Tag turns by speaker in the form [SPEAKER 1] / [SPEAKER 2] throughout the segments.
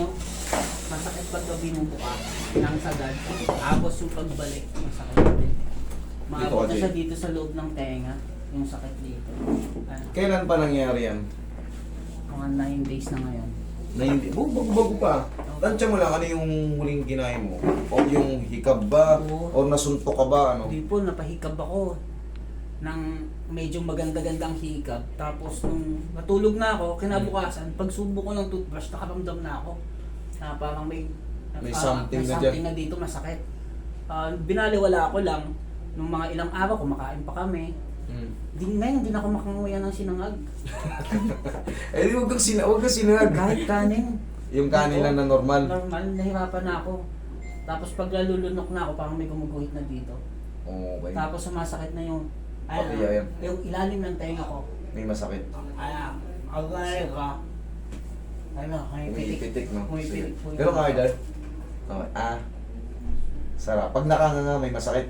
[SPEAKER 1] ano, masakit pag binubuka ng sagad. Tapos yung pagbalik, masakit din. Maabot na
[SPEAKER 2] Dito,
[SPEAKER 1] siya dito sa loob ng tenga, yung sakit dito.
[SPEAKER 2] Kailan pa nangyari yan?
[SPEAKER 1] Mga 9 days na ngayon.
[SPEAKER 2] Na hindi, bago pa. Tansya mo lang, ano yung huling kinain mo? O yung hikab ba?
[SPEAKER 1] Oo.
[SPEAKER 2] O nasuntok ka ba? Ano?
[SPEAKER 1] Hindi po, napahikab ako ng medyo maganda-gandang hikab. Tapos nung natulog na ako, kinabukasan, pagsubok ko ng toothbrush, nakaramdam na ako. Na parang may
[SPEAKER 2] something na
[SPEAKER 1] something
[SPEAKER 2] dyan.
[SPEAKER 1] na dito masakit. Binaliwala ko lang, nung mga ilang araw, kumakain pa kami. Ngayon, hindi na ako makanguya ng sinangag.
[SPEAKER 2] Eh, huwag kang sinag.
[SPEAKER 1] Kahit kanin.
[SPEAKER 2] Yung kanin lang na normal.
[SPEAKER 1] Normal, nahirapan na ako. Tapos pag lalulunok na ako, parang may gumuguhit na dito.
[SPEAKER 2] Okay.
[SPEAKER 1] Tapos sumasakit na yung,
[SPEAKER 2] Pati yan.
[SPEAKER 1] yung ilalim ng tenga ko.
[SPEAKER 2] May masakit.
[SPEAKER 1] Agay ka.
[SPEAKER 2] Umipitik, no?
[SPEAKER 1] Umipitik po.
[SPEAKER 2] Pero kaya dahil. Okay. Sarap. Pag nakanganga, may masakit.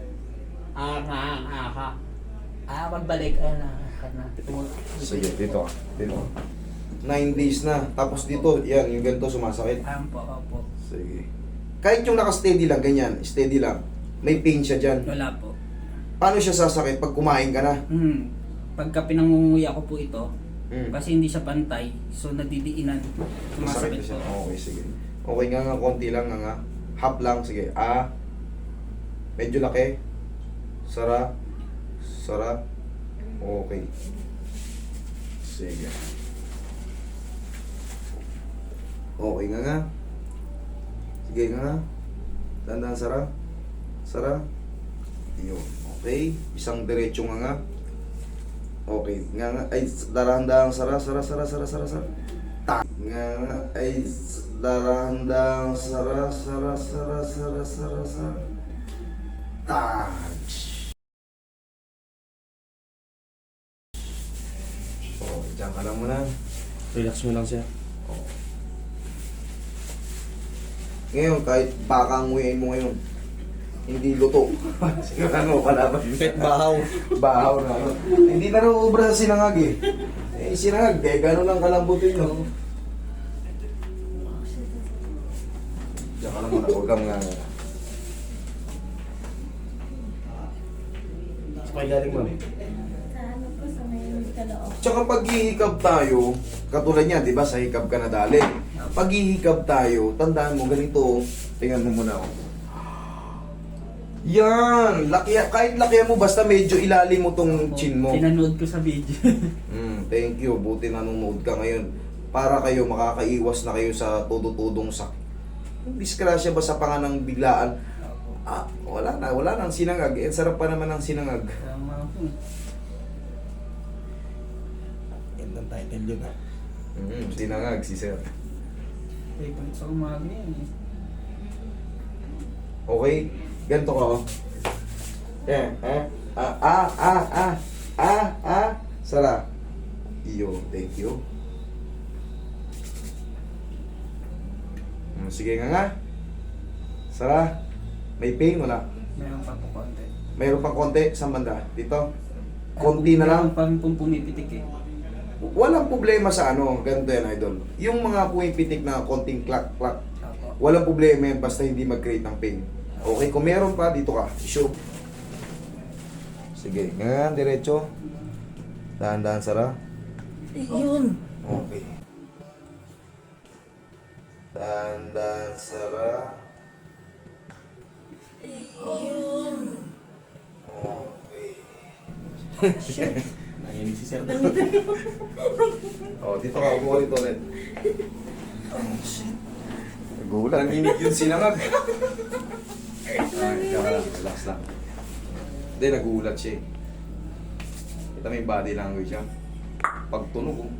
[SPEAKER 1] Pagbalik, na.
[SPEAKER 2] Sige, dito. Dito. 9 days na. Tapos dito, yan, yung ganito sumasakit.
[SPEAKER 1] Opo.
[SPEAKER 2] Sige. Kahit yung naka-steady lang, ganyan, steady lang. May pain siya dyan.
[SPEAKER 1] Wala po.
[SPEAKER 2] Paano siya sasakit pag kumain ka na?
[SPEAKER 1] Pagka pinangunguya ko po ito,
[SPEAKER 2] Mm.
[SPEAKER 1] kasi hindi siya pantay, so nadidiinan.
[SPEAKER 2] Masakit
[SPEAKER 1] Sumasakit
[SPEAKER 2] na siya.
[SPEAKER 1] po.
[SPEAKER 2] Okay, sige. Okay nga, konti lang nga. Half lang, sige. Medyo laki. Sara. Okay. Sige. Okay nga. Sige nga. Tandaan, Sara. Yun. Okay. Isang diretso nga. Okay. Nga. Ay, darandang Sara. Nga. Ay, darandang Sara. Touch. Oh, diyan ka lang muna.
[SPEAKER 3] Relax mo lang siya.
[SPEAKER 2] Ngayon, kahit baka ang nguyain mo ngayon, hindi luto. Sigurado mo pala ba?
[SPEAKER 3] Pet bahaw.
[SPEAKER 2] Bahaw na. Ano. Hindi na rin ubra sa sinangag eh. Sinangag, gano'n lang kalambutin no. Diyan ka lang muna, huwag kang nga.
[SPEAKER 3] Sa galing mo.
[SPEAKER 4] Sa may kaloob.
[SPEAKER 2] Tsaka pag hihikab tayo, katulad niya, di ba, sa hikab ka na dali. Pag hihikab tayo, tandaan mo, ganito, tingnan mo muna ako. Yan! Kahit lakihan mo, basta medyo ilalim mo tong chin mo.
[SPEAKER 1] Pinanood ko sa video.
[SPEAKER 2] Thank you, buti nanonood ka ngayon. Para kayo, makakaiwas na kayo sa todo-todong disgrasya ba sa panganang biglaan? Wala na ang sinangag. Sarap pa naman ang sinangag.
[SPEAKER 1] Tama po.
[SPEAKER 3] Yan ang title yun ah.
[SPEAKER 2] Sinangag, si sir.
[SPEAKER 1] Favorite sa umaga yan eh.
[SPEAKER 2] Okay, ganito ka oh. Sara. Iyo, thank you. Sige nga. Sara, may pain wala?
[SPEAKER 1] Meron pa po konti.
[SPEAKER 2] Mayroon pang konti sa banda. Dito. Konti na lang.
[SPEAKER 1] Meron pang pumipitik eh.
[SPEAKER 2] Walang problema sa ganito yan, idol. Yung mga pumipitik na konting clack,
[SPEAKER 1] Opo.
[SPEAKER 2] walang problema yan basta hindi mag-create ng pain. Okay, kung meron pa, dito ka. Sure. Sige, ganyan, diretso. Dahan-dahan, Sara.
[SPEAKER 1] Yun!
[SPEAKER 2] Okay. Dahan-dahan, Sara. Okay.
[SPEAKER 3] Nanginig si Sir.
[SPEAKER 2] Oh, dito ka, umuha dito ulit. Oh, shit. Nagulat. Nanginig yun sinangag. Relax lang. Hindi, nagulat siya eh. Kita may body language siya. Pag tunog oh.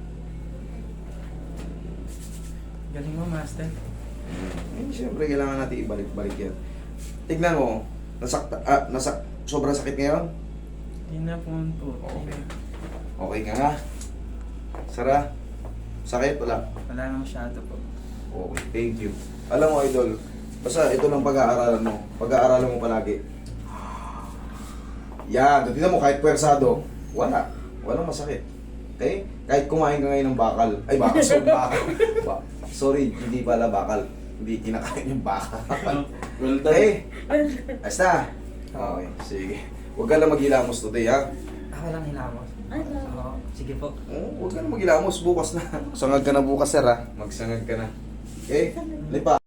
[SPEAKER 1] Galing mo, master.
[SPEAKER 2] Siyempre, kailangan natin ibalik-balik yan. Tignan mo, sobrang sakit ngayon?
[SPEAKER 1] Hindi na po po.
[SPEAKER 2] Okay. Okay ka nga. Sara, sakit? Wala.
[SPEAKER 1] Wala nang masyado po.
[SPEAKER 2] Okay, thank you. Alam mo, idol, basta ito lang pag-aaralan mo. Pag-aaralan mo palagi. Yan, tignan mo, kahit pwersado, walang masakit. Okay? Kahit kumain ka ngayon ng bakal. Ay, bakal, bakal. Sorry, hindi pala bakal. Hindi kinakain yung bakal.
[SPEAKER 3] Well done.
[SPEAKER 2] Okay. Basta. Okay, sige. Huwag ka lang maghilamos today, ha?
[SPEAKER 1] Ako lang hinamos.
[SPEAKER 4] Ay, ba?
[SPEAKER 1] Oo, sige po.
[SPEAKER 2] Huwag ka lang maghilamos. Bukas na. Sangag ka na bukas, sir, ha? Magsangag ka na. Okay? Lipa.